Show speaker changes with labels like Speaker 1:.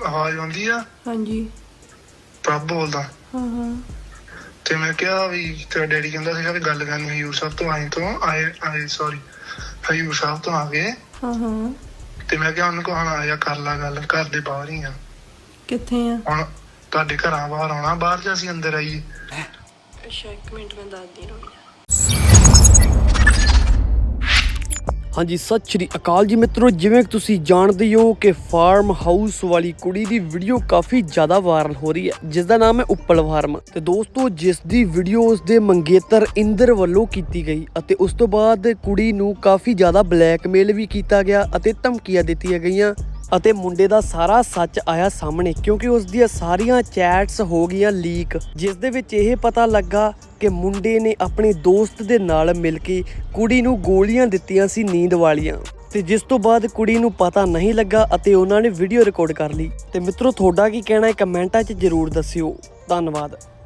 Speaker 1: ਆਵਾਜ਼ ਆਉਂਦੀ ਆ?
Speaker 2: ਹਾਂਜੀ।
Speaker 1: ਪ੍ਰਭ ਬੋਲਦਾ।
Speaker 2: ਹਾਂ।
Speaker 1: ਤੇ ਮੈਂ ਕਿਹਾ ਵੀ ਤੇਰਾ ਡੈਡੀ ਕਹਿੰਦਾ ਸੀਗਾ ਵੀ ਗੱਲ ਕਰਨੀ ਹਜ਼ੂਰ ਸਾਹਿਬ ਤੋਂ ਹਜ਼ੂਰ ਸਾਹਿਬ ਤੋਂ ਆ ਗਏ।
Speaker 2: ਹਾਂ।
Speaker 1: ਤੇ ਮੈਂ ਕਿਹਾ ਉਹਨੂੰ ਕੋ ਹੁਣ ਆਇਆ ਕਰ ਲਾ ਗੱਲ, ਘਰ ਦੇ ਬਾਹਰ ਹੀ ਆ।
Speaker 2: ਕਿੱਥੇ ਆ?
Speaker 1: ਹੁਣ ਤੁਹਾਡੇ ਘਰਾਂ ਬਾਹਰ ਆਉਣਾ, ਬਾਹਰ ਚ ਅਸੀਂ ਅੰਦਰ ਆਈਏ।
Speaker 2: ਅੱਛਾ, 1 ਮਿੰਟ ਮੈਂ ਦੱਸਦੀ ਰਹੀ।
Speaker 3: ਹਾਂਜੀ, ਸਤਿ ਸ਼੍ਰੀ ਅਕਾਲ ਜੀ ਮਿੱਤਰੋ। ਜਿਵੇਂ ਕਿ ਤੁਸੀਂ ਜਾਣਦੇ ਹੋ ਕਿ ਫਾਰਮ ਹਾਊਸ ਵਾਲੀ ਕੁੜੀ ਦੀ ਵੀਡੀਓ ਕਾਫੀ ਜ਼ਿਆਦਾ ਵਾਇਰਲ ਹੋ ਰਹੀ ਹੈ, ਜਿਸ ਦਾ ਨਾਮ ਹੈ ਉੱਪਲ ਫਾਰਮ। ਤੇ ਦੋਸਤੋ, ਜਿਸ ਦੀ ਵੀਡੀਓ ਉਸ ਦੇ ਮੰਗੇਤਰ ਇੰਦਰ ਵੱਲੋਂ ਕੀਤੀ ਗਈ ਅਤੇ ਉਸ ਤੋਂ ਬਾਅਦ ਕੁੜੀ ਨੂੰ ਕਾਫੀ ਜ਼ਿਆਦਾ ਬਲੈਕਮੇਲ ਵੀ ਕੀਤਾ ਗਿਆ ਅਤੇ ਧਮਕੀਆਂ ਦਿੱਤੀਆਂ ਗਈਆਂ ਅਤੇ ਮੁੰਡੇ ਦਾ ਸਾਰਾ ਸੱਚ ਆਇਆ ਸਾਹਮਣੇ, ਕਿਉਂਕਿ ਉਸ ਦੀਆਂ ਸਾਰੀਆਂ ਚੈਟਸ ਹੋ ਗਈਆਂ ਲੀਕ, ਜਿਸ ਦੇ ਵਿੱਚ ਇਹ ਪਤਾ ਲੱਗਾ ਕਿ ਮੁੰਡੇ ਨੇ ਆਪਣੇ ਦੋਸਤ ਦੇ ਨਾਲ ਮਿਲ ਕੇ ਕੁੜੀ ਨੂੰ ਗੋਲੀਆਂ ਦਿੱਤੀਆਂ ਸੀ ਨੀਂਦ ਵਾਲੀਆਂ, ਤੇ ਜਿਸ ਤੋਂ ਬਾਅਦ ਕੁੜੀ ਨੂੰ ਪਤਾ ਨਹੀਂ ਲੱਗਾ ਅਤੇ ਉਹਨਾਂ ਨੇ ਵੀਡੀਓ ਰਿਕਾਰਡ ਕਰ ਲਈ। ਤੇ ਮਿੱਤਰੋ, ਤੁਹਾਡਾ ਕੀ ਕਹਿਣਾ ਹੈ ਕਮੈਂਟਾਂ 'ਚ ਜ਼ਰੂਰ ਦੱਸਿਓ। ਧੰਨਵਾਦ।